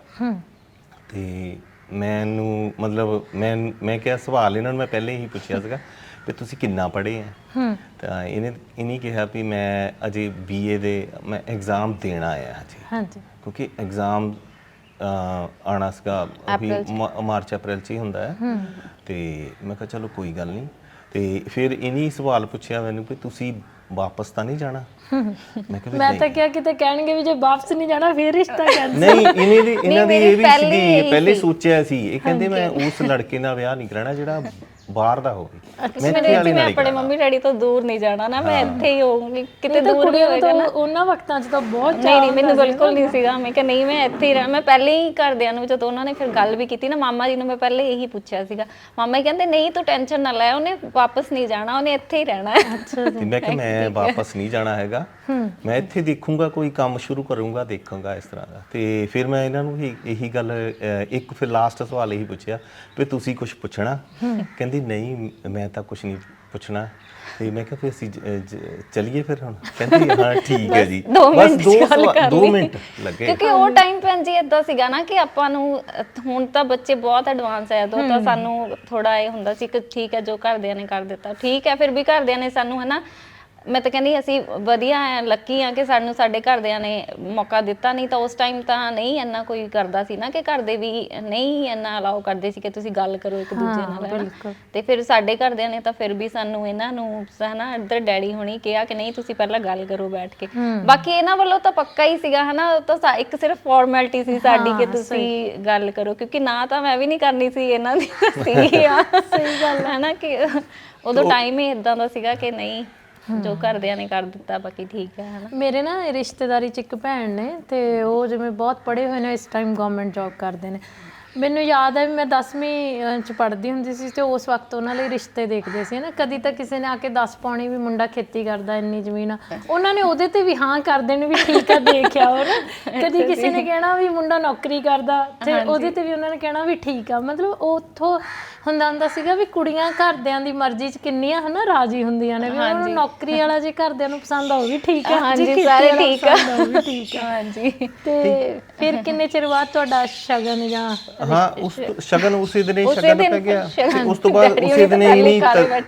Speaker 2: ਤੇ ਮੈਨੂੰ ਮਤਲਬ ਮੈਂ ਕਿਹਾ ਸਵਾਲ ਇਹਨਾਂ ਨੂੰ ਮੈਂ ਪਹਿਲੇ ਹੀ ਪੁੱਛਿਆ ਸੀਗਾ ਵੀ ਤੁਸੀਂ ਕਿੰਨਾ ਪੜ੍ਹੇ ਆ। ਤਾਂ ਇਹਨੇ ਕਿਹਾ ਵੀ ਮੈਂ ਅਜੇ BA ਦੇ ਮੈਂ ਐਗਜ਼ਾਮ ਦੇਣ ਆਇਆ ਹਜੇ।
Speaker 1: ਹਾਂਜੀ।
Speaker 2: ਕਿਉਂਕਿ ਐਗਜ਼ਾਮ ਆਉਣਾ ਸੀਗਾ ਵੀ ਮਾਰਚ ਅਪ੍ਰੈਲ 'ਚ ਹੀ ਹੁੰਦਾ ਹੈ। ਤੇ ਮੈਂ ਕਿਹਾ ਚਲੋ ਕੋਈ ਗੱਲ ਨਹੀਂ। ਤੇ ਫਿਰ ਇਹਨੀ ਸਵਾਲ ਪੁੱਛਿਆ ਮੈਨੂੰ ਵੀ ਤੁਸੀਂ ਵਾਪਸ ਤਾਂ ਨਹੀਂ ਜਾਣਾ? ਮੈਂ
Speaker 1: ਤਾਂ ਕਿਹਾ ਕਿਤੇ ਕਹਿਣਗੇ ਵੀ ਜੇ ਵਾਪਸ ਨਹੀਂ ਜਾਣਾ ਫਿਰ ਰਿਸ਼ਤਾ ਕੈਂਸਲ।
Speaker 2: ਨਹੀਂ, ਇਹਨਾਂ ਦੀ ਇਹ ਵੀ ਸੀਗੀ, ਪਹਿਲੇ ਸੋਚਿਆ ਸੀ। ਇਹ ਕਹਿੰਦੇ ਮੈਂ ਉਸ ਲੜਕੇ ਨਾਲ ਵਿਆਹ ਨਹੀਂ ਕਰਾਉਣਾ ਜਿਹੜਾ ਬਾਹਰ ਦਾ ਹੋਵੇ।
Speaker 3: ਮੈਂ ਆਪਣੇ ਮੰਮੀ ਡੈਡੀ ਤੋਂ ਦੂਰ ਨਹੀਂ ਜਾਣਾ ਨਾ, ਮੈਂ ਇੱਥੇ ਹੀ ਹੋਊਂਗੀ। ਕਿਤੇ ਦੂਰ ਨਹੀਂ ਹੋਏਗਾ ਨਾ। ਉਹਨਾਂ
Speaker 1: ਵਕਤਾਂ 'ਚ ਤਾਂ ਬਹੁਤ
Speaker 3: ਨਹੀਂ ਮੈਨੂੰ ਬਿਲਕੁਲ ਨਹੀਂ ਸੀਗਾ। ਮੈਂ ਕਿਹਾ ਨਹੀਂ ਮੈਂ ਇੱਥੇ ਹੀ ਰਹਿਣਾ। ਮੈਂ ਪਹਿਲੇ ਹੀ ਘਰਦਿਆਂ ਨੂੰ ਜਦੋਂ ਉਹਨਾਂ ਨੇ ਫਿਰ ਗੱਲ ਵੀ ਕੀਤੀ ਨਾ, ਮਾਮਾ ਜੀ ਨੂੰ ਮੈਂ ਪਹਿਲੇ ਇਹੀ ਪੁੱਛਿਆ ਸੀਗਾ। ਮਾਮਾ ਜੀ ਕਹਿੰਦੇ ਨਹੀਂ ਤੂੰ ਟੈਨਸ਼ਨ ਨਾ ਲੈ, ਉਹਨੇ ਵਾਪਸ ਨਹੀਂ ਜਾਣਾ, ਉਹਨੇ ਇੱਥੇ ਹੀ ਰਹਿਣਾ ਹੈ।
Speaker 2: ਤੇ ਮੈਂ ਕਿਹਾ ਮੈਂ ਵਾਪਸ ਨਹੀਂ ਜਾਣਾ ਹੈਗਾ, ਮੈਂ ਇੱਥੇ ਦੇਖੂੰਗਾ, ਕੋਈ ਕੰਮ ਸ਼ੁਰੂ ਕਰੂੰਗਾ, ਦੇਖੂੰਗਾ ਇਸ ਤਰ੍ਹਾਂ ਦਾ। ਤੇ ਫਿਰ ਮੈਂ ਇਹਨਾਂ ਨੂੰ ਇਹੀ ਗੱਲ ਇੱਕ ਫਿਰ ਲਾਸਟ ਸਵਾਲ ਇਹੀ ਪੁੱਛਿਆ ਵੀ ਤੁਸੀਂ ਕੁਝ ਪੁੱਛਣਾ? ਕਹਿੰਦੀ ਨਹੀਂ ਮੈਂ ਤਾਂ ਕੁਝ ਨਹੀਂ ਪੁੱਛਣਾ। ਤੇ ਮੈਂ ਕਿਹਾ ਫਿਰ ਅਸੀਂ ਚਲੀਏ ਫਿਰ ਹੁਣ? ਕਹਿੰਦੀ ਹਾਂ ਠੀਕ ਹੈ ਜੀ। ਬਸ 2 ਮਿੰਟ ਲੱਗੇ।
Speaker 3: ਕਿਉਂਕਿ ਉਹ ਟਾਈਮ ਭੈਣ ਜੀ ਏਦਾਂ ਸੀਗਾ ਨਾ ਕਿ ਆਪਾਂ ਨੂੰ ਹੁਣ ਤਾਂ ਬੱਚੇ ਬਹੁਤ ਐਡਵਾਂਸ ਹੈ, ਉਦੋਂ ਤਾਂ ਸਾਨੂੰ ਥੋੜਾ ਇਹ ਹੁੰਦਾ ਸੀ ਕਿ ਠੀਕ ਹੈ ਜੋ ਘਰਦਿਆਂ ਨੇ ਕਰ ਦਿੱਤਾ ਠੀਕ ਹੈ। ਫਿਰ ਵੀ ਘਰਦਿਆਂ ਨੇ ਸਾਨੂੰ ਹਨਾ, ਮੈਂ ਤਾਂ ਕਹਿੰਦੀ ਅਸੀਂ ਵਧੀਆ ਆ, ਲੱਕੀ ਆ ਕਿ ਸਾਨੂੰ ਸਾਡੇ ਘਰਦਿਆਂ ਨੇ ਮੌਕਾ ਦਿੱਤਾ। ਨਹੀਂ ਤਾਂ ਉਸ ਟਾਈਮ ਤਾਂ ਨਹੀਂ ਇੰਨਾ ਕੋਈ ਕਰਦਾ ਸੀ ਨਾ, ਕਿ ਘਰ ਦੇ ਵੀ ਨਹੀਂ ਇੰਨਾ ਅਲਾਓ ਕਰਦੇ ਸੀ ਕਿ ਤੁਸੀਂ ਗੱਲ ਕਰੋ ਇੱਕ ਦੂਜੇ ਨਾਲ। ਤੇ ਫਿਰ ਸਾਡੇ ਘਰਦਿਆਂ ਨੇ ਤਾਂ ਫਿਰ ਵੀ ਸਾਨੂੰ ਇਹਨਾਂ ਨੂੰ ਹਨਾ ਇੱਧਰ ਡੈਡੀ ਹੋਣੀ ਕਿਹਾ ਕਿ ਨਹੀਂ ਤੁਸੀਂ ਪਹਿਲਾਂ ਗੱਲ ਕਰੋ ਬੈਠ ਕੇ। ਬਾਕੀ ਇਹਨਾਂ ਵੱਲੋਂ ਤਾਂ ਪੱਕਾ ਹੀ ਸੀਗਾ ਹਨਾ, ਉਹ ਤਾਂ ਇੱਕ ਸਿਰਫ ਫਾਰਮੈਲਿਟੀ ਸੀ ਸਾਡੀ ਕਿ ਤੁਸੀਂ ਗੱਲ ਕਰੋ। ਕਿਉਂਕਿ ਨਾ ਤਾਂ ਮੈਂ ਵੀ ਨਹੀਂ ਕਰਨੀ ਸੀ, ਇਹਨਾਂ ਦੀ ਸੀ ਆ। ਸਹੀ ਗੱਲ ਹੈ ਨਾ ਕਿ ਉਦੋਂ ਟਾਈਮ ਹੀ ਇਦਾਂ ਦਾ ਸੀਗਾ ਕਿ ਨਹੀਂ ਜੋ ਘਰਦਿਆਂ ਨੇ ਕਰ ਦਿੱਤਾ ਬਾਕੀ ਠੀਕ ਹੈ ਹਨਾ।
Speaker 1: ਮੇਰੇ ਨਾ ਰਿਸ਼ਤੇਦਾਰੀ 'ਚ ਇੱਕ ਭੈਣ ਨੇ ਤੇ ਉਹ ਜਿਵੇਂ ਬਹੁਤ ਪੜ੍ਹੇ ਹੋਏ ਨੇ, ਇਸ ਟਾਈਮ ਗਵਰਨਮੈਂਟ ਜੌਬ ਕਰਦੇ ਨੇ। ਮੈਨੂੰ ਯਾਦ ਹੈ ਵੀ ਮੈਂ 10ਵੀਂ 'ਚ ਪੜ੍ਹਦੀ ਹੁੰਦੀ ਸੀ ਤੇ ਉਸ ਵਕਤ ਉਹਨਾਂ ਲਈ ਰਿਸ਼ਤੇ ਦੇਖਦੇ ਸੀ ਨਾ। ਕਦੀ ਤਾਂ ਕਿਸੇ ਨੇ ਆ ਕੇ ਦੱਸ ਪਾਉਣੀ ਵੀ ਮੁੰਡਾ ਖੇਤੀ ਕਰਦਾ, ਇੰਨੀ ਜ਼ਮੀਨ ਆ, ਉਹਨਾਂ ਨੇ ਉਹਦੇ ਤੇ ਵੀ ਹਾਂ ਕਰ ਦੇਣੀ ਵੀ ਠੀਕ ਆ ਦੇਖਿਆ ਉਹ ਨਾ। ਕਦੀ ਕਿਸੇ ਨੇ ਕਹਿਣਾ ਵੀ ਮੁੰਡਾ ਨੌਕਰੀ ਕਰਦਾ ਤੇ ਉਹਦੇ ਤੇ ਵੀ ਉਹਨਾਂ ਨੇ ਕਹਿਣਾ ਵੀ ਠੀਕ ਆ। ਮਤਲਬ ਉੱਥੋਂ ਹੁੰਦਾ ਸੀਗਾ ਵੀ ਕੁੜੀਆਂ ਘਰਦਿਆਂ ਦੀ ਮਰਜ਼ੀ 'ਚ ਕਿੰਨੀਆਂ ਹਨਾ ਰਾਜੀ ਹੁੰਦੀਆਂ ਨੇ ਵੀ ਉਹਨਾਂ ਨੂੰ ਨੌਕਰੀ ਵਾਲਾ ਜੇ ਘਰਦਿਆਂ ਨੂੰ ਪਸੰਦ ਆ ਉਹ ਵੀ ਠੀਕ ਆ,
Speaker 3: ਹਾਂਜੀ ਸਾਰੇ ਠੀਕ ਆ,
Speaker 1: ਉਹ ਵੀ ਠੀਕ ਆ। ਹਾਂਜੀ। ਤੇ ਫਿਰ ਕਿੰਨੇ ਚਿਰ ਬਾਅਦ ਤੁਹਾਡਾ ਸ਼ਗਨ ਜਾਂ
Speaker 2: ਹਾਂ ਉਸ ਸ਼ਗਨ ਉਸੇ ਦਿਨ ਹੀ ਸ਼ਗਨ ਪੈ ਗਿਆ। ਉਸ ਤੋਂ ਬਾਅਦ ਉਸੇ ਦਿਨ ਹੀ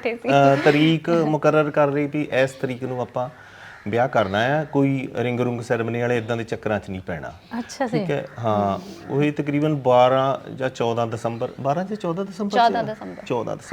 Speaker 2: ਤਰੀਕ ਮੁਕਰਰ ਕਰ ਲਈ ਵੀ ਇਸ ਤਰੀਕ ਨੂੰ ਆਪਾਂ ਵਿਆਹ ਕਰਨਾ ਆ, ਕੋਈ ਰਿੰਗ ਰੁੰਗ ਸੈਰੇਮਨੀ ਵਾਲੇ ਇਦਾਂ ਦੇ ਚੱਕਰਾਂ 'ਚ ਨਹੀਂ ਪੈਣਾ।
Speaker 1: ਅੱਛਾ
Speaker 2: ਠੀਕ ਹੈ। ਹਾਂ ਉਹੀ ਤਕਰੀਬਨ 12 ਜਾਂ 14 ਦਸੰਬਰ 12 ਜਾਂ 14 ਦਸੰਬਰ
Speaker 3: 14 ਦਸੰਬਰ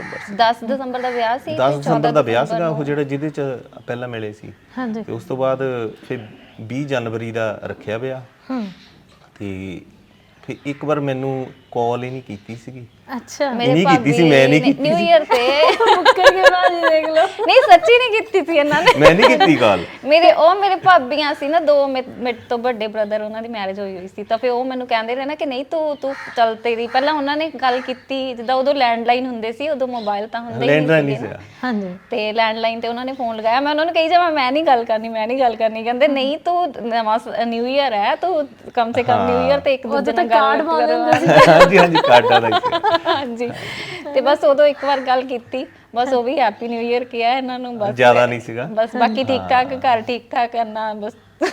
Speaker 2: 10
Speaker 3: ਦਸੰਬਰ ਦਾ ਵਿਆਹ ਸੀ।
Speaker 2: 10 ਦਸੰਬਰ ਦਾ ਵਿਆਹ ਸੀਗਾ ਉਹ ਜਿਹੜਾ ਜਿਹਦੇ 'ਚ ਪਹਿਲਾਂ ਮਿਲੇ ਸੀ।
Speaker 1: ਹਾਂਜੀ।
Speaker 2: ਤੇ ਉਸ ਤੋਂ ਬਾਅਦ ਫਿਰ 20 ਜਨਵਰੀ ਦਾ ਰੱਖਿਆ ਵਿਆਹ। ਤੇ ਫਿਰ ਇੱਕ ਵਾਰ ਮੈਨੂੰ ਕਾਲ ਹੀ ਨਹੀਂ ਕੀਤੀ ਸੀਗੀ।
Speaker 1: ਅੱਛਾ।
Speaker 2: ਨਹੀਂ ਕੀਤੀ ਸੀ, ਮੈਂ ਨਹੀਂ ਕੀਤੀ।
Speaker 3: ਨਿਊ ਇਅਰ ਤੇ
Speaker 1: ਮੁੱਕਰ ਕੇ ਬਾਜੀ ਦੇਖ ਲਓ।
Speaker 3: ਨਹੀਂ ਸੱਚੀ ਨਹੀਂ ਕੀਤੀ ਸੀ ਇਹਨਾਂ ਨੇ,
Speaker 2: ਮੈਂ ਨਹੀਂ ਕੀਤੀ ਕਾਲ।
Speaker 3: ਮੇਰੇ ਭਾਬੀਆਂ ਸੀ ਨਾ 2 ਮੇਰੇ ਤੋਂ ਵੱਡੇ ਬ੍ਰਦਰ, ਉਹਨਾਂ ਦੀ ਮੈਰਿਜ ਹੋਈ ਸੀ। ਤਾਂ ਫਿਰ ਉਹ ਮੈਨੂੰ ਕਹਿੰਦੇ ਰਹੇ ਨਾ ਕਿ ਨਹੀਂ ਤੂੰ ਚੱਲ ਤੇਰੀ। ਪਹਿਲਾਂ ਉਹਨਾਂ ਨੇ ਗੱਲ ਕੀਤੀ, ਜਿੱਦਾਂ ਉਦੋਂ ਲੈਂਡਲਾਈਨ ਹੁੰਦੇ ਸੀ, ਉਦੋਂ ਮੋਬਾਈਲ ਤਾਂ ਹੁੰਦੇ ਹੀ ਨਹੀਂ ਸੀ।
Speaker 1: ਹਾਂਜੀ।
Speaker 3: ਤੇ ਲੈਂਡਲਾਈਨ ਤੇ ਉਹਨਾਂ ਨੇ ਫੋਨ ਲਗਾਇਆ, ਮੈਂ ਉਹਨਾਂ ਨੂੰ ਕਹੀ ਜਾਵਾਂ ਮੈਂ ਨਹੀਂ ਗੱਲ ਕਰਨੀ। ਕਹਿੰਦੇ ਨਹੀਂ ਤੂੰ ਨਵਾਂ ਨਿਊ ਇਅਰ ਹੈ, ਤੂੰ ਕਮ ਸੇ ਕਮ ਨਿਊ ਇਅਰ ਤੇ ਇੱਕ ਦੂਜੇ ਨਾਲ ਗੱਲ ਕਰੋ।
Speaker 2: ਹਾਂਜੀ ਕਾਰਡਾਂ ਦਾ।
Speaker 3: ਹਾਂਜੀ। ਤੇ ਬਸ ਉਦੋਂ ਇੱਕ ਵਾਰ ਗੱਲ ਕੀਤੀ, ਬਸ ਉਹ ਵੀ ਹੈਪੀ ਨਿਊ ਇਅਰ ਕਿਹਾ ਇਹਨਾਂ ਨੂੰ, ਬਸ
Speaker 2: ਜ਼ਿਆਦਾ ਨਹੀਂ ਸੀਗਾ।
Speaker 3: ਬਸ ਬਾਕੀ ਠੀਕ ਠਾਕ, ਘਰ ਠੀਕ ਠਾਕ ਕਰਨਾ ਬਸ।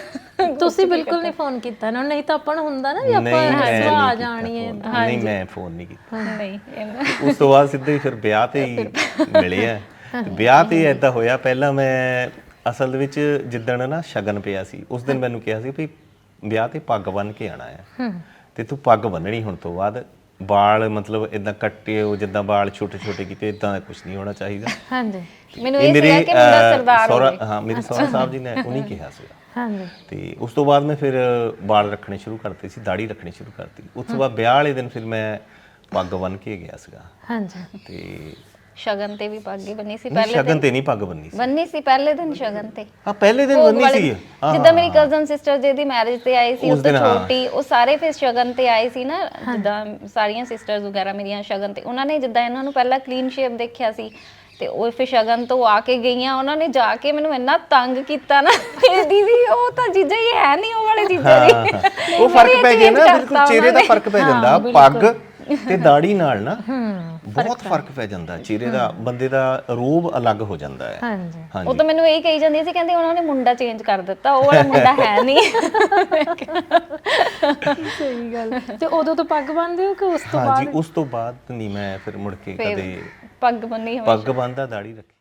Speaker 1: ਤੁਸੀਂ ਬਿਲਕੁਲ ਨਹੀਂ ਫੋਨ ਕੀਤਾ ਨਾ? ਨਹੀਂ ਤਾਂ ਆਪਾਂ ਨੂੰ ਹੁੰਦਾ ਨਾ ਵੀ ਆਪਾਂ ਆ ਜਾਣੀ ਹੈ।
Speaker 2: ਨਹੀਂ ਮੈਂ ਫੋਨ ਨਹੀਂ ਕੀਤਾ।
Speaker 3: ਨਹੀਂ
Speaker 2: ਉਸ ਤੋਂ ਬਾਅਦ ਸਿੱਧੇ ਹੀ ਫਿਰ ਵਿਆਹ ਤੇ ਹੀ ਮਿਲੇ ਆ। ਵਿਆਹ ਤੇ ਏਦਾਂ ਹੋਇਆ, ਪਹਿਲਾਂ ਮੈਂ ਅਸਲ ਦੇ ਵਿੱਚ ਜਿੱਦਣ ਨਾ ਸ਼ਗਨ ਪਿਆ ਸੀ ਉਸ ਦਿਨ ਮੈਨੂੰ ਕਿਹਾ ਸੀ ਵੀ ਵਿਆਹ ਤੇ ਪੱਗ ਬੰਨ੍ਹ ਕੇ ਆਣਾ ਆ ਤੇ ਤੂੰ ਪੱਗ ਬੰਨਣੀ ਹੁਣ ਤੋਂ ਬਾਅਦ। ਵਾਲ ਮਤਲਬ ਇਦਾਂ ਕੱਟੇ ਹੋ ਜਿੱਦਾਂ ਵਾਲ ਛੋਟੇ ਛੋਟੇ ਕੀਤੇ, ਇਦਾਂ ਦਾ ਕੁਝ ਨਹੀਂ ਹੋਣਾ ਚਾਹੀਦਾ।
Speaker 3: ਹਾਂਜੀ। ਮੈਨੂੰ ਇਹ ਸੀਗਾ ਕਿ ਮੁੰਡਾ ਸਰਦਾਰ ਹੋਵੇ।
Speaker 2: ਹਾਂ ਮੇਰੇ ਸਹੁਰਾ ਸਾਹਿਬ ਜੀ ਨੇ ਉਹਨੇ ਕਿਹਾ ਸੀਗਾ।
Speaker 1: ਹਾਂਜੀ।
Speaker 2: ਤੇ ਉਸ ਤੋਂ ਬਾਅਦ ਮੈਂ ਫਿਰ ਵਾਲ ਰੱਖਣੇ ਸ਼ੁਰੂ ਕਰਤੇ ਸੀ, ਦਾੜੀ ਰੱਖਣੀ ਸ਼ੁਰੂ ਕਰਤੀ। ਉਸ ਤੋਂ ਬਾਅਦ ਵਿਆਹ ਵਾਲੇ ਦਿਨ ਫਿਰ ਮੈਂ ਪੱਗ ਬੰਨ੍ਹ ਕੇ ਗਿਆ ਸੀਗਾ।
Speaker 1: ਹਾਂਜੀ।
Speaker 2: ਤੇ
Speaker 3: ਸ਼ਗਨ ਤੇ ਵੀ ਪੱਗ ਹੀ ਬੰਨੀ ਸੀ ਪਹਿਲੇ
Speaker 2: ਸ਼ਗਨ ਤੇ ਨਹੀਂ ਪੱਗ ਬੰਨੀ ਸੀ
Speaker 3: ਪਹਿਲੇ ਦਿਨ ਸ਼ਗਨ ਤੇ।
Speaker 2: ਹਾਂ ਪਹਿਲੇ ਦਿਨ ਬੰਨੀ ਸੀ।
Speaker 3: ਜਿੱਦਾਂ ਮੇਰੀ ਕਜ਼ਨ ਸਿਸਟਰ ਜਿਹਦੀ ਮੈਰਿਜ ਤੇ ਆਈ ਸੀ, ਉਸ ਤੋਂ ਛੋਟੀ, ਉਹ ਸਾਰੇ ਫਿਰ ਸ਼ਗਨ ਤੇ ਆਏ ਸੀ ਨਾ, ਜਿੱਦਾਂ ਸਾਰੀਆਂ ਸਿਸਟਰਸ ਵਗੈਰਾ ਮੇਰੀਆਂ ਸ਼ਗਨ ਤੇ। ਉਹਨਾਂ ਨੇ ਜਿੱਦਾਂ ਇਹਨਾਂ ਨੂੰ ਪਹਿਲਾਂ ਕਲੀਨ ਸ਼ੇਪ ਦੇਖਿਆ ਸੀ, ਤੇ ਉਹ ਫਿਰ ਸ਼ਗਨ ਤੋਂ ਆ ਕੇ ਗਈਆਂ, ਉਹਨਾਂ ਨੇ ਜਾ ਕੇ ਮੈਨੂੰ ਇੰਨਾ ਤੰਗ ਕੀਤਾ ਨਾ ਇਹ ਦੀਦੀ ਉਹ ਤਾਂ ਜੀਜਾ ਹੀ ਹੈ ਨਹੀਂ ਉਹ ਵਾਲੇ ਜੀਜਾ ਜੀ।
Speaker 2: ਉਹ ਫਰਕ ਪੈ ਗਿਆ ਨਾ, ਬਿਲਕੁਲ ਚਿਹਰੇ ਦਾ ਫਰਕ ਪੈ ਜਾਂਦਾ, ਪੱਗ ਤੇ ਦਾੜੀ ਨਾਲ ਨਾ ਬਹੁਤ ਫਰਕ ਪੈ ਜਾਂਦਾ, ਚਿਹਰੇ ਦਾ ਬੰਦੇ ਦਾ ਰੂਪ ਅਲੱਗ ਹੋ ਜਾਂਦਾ ਹੈ।
Speaker 1: ਹਾਂਜੀ
Speaker 3: ਉਹ ਤਾਂ ਮੈਨੂੰ ਇਹ ਕਹੀ ਜਾਂਦੀ ਸੀ, ਕਹਿੰਦੇ ਉਹਨਾਂ ਨੇ ਮੁੰਡਾ ਚੇਂਜ ਕਰ ਦਿੱਤਾ, ਉਹ ਵਾਲਾ ਮੁੰਡਾ ਹੈ ਨਹੀਂ।
Speaker 1: ਸਹੀ ਗੱਲ। ਤੇ ਉਦੋਂ ਤੋਂ ਪੱਗ ਬੰਨਦੇ ਹੋ ਕਿ ਉਸ ਤੋਂ
Speaker 2: ਹਾਂਜੀ,
Speaker 1: ਬਾਅਦ?
Speaker 2: ਉਸ ਤੋਂ ਬਾਅਦ ਨਹੀਂ, ਮੈਂ ਫਿਰ ਮੁੜ ਕੇ ਕਦੇ
Speaker 3: ਪੱਗ ਬੰਨੀ
Speaker 2: ਪੱਗ ਬੰਨਦਾ, ਦਾੜੀ ਰੱਖੀ।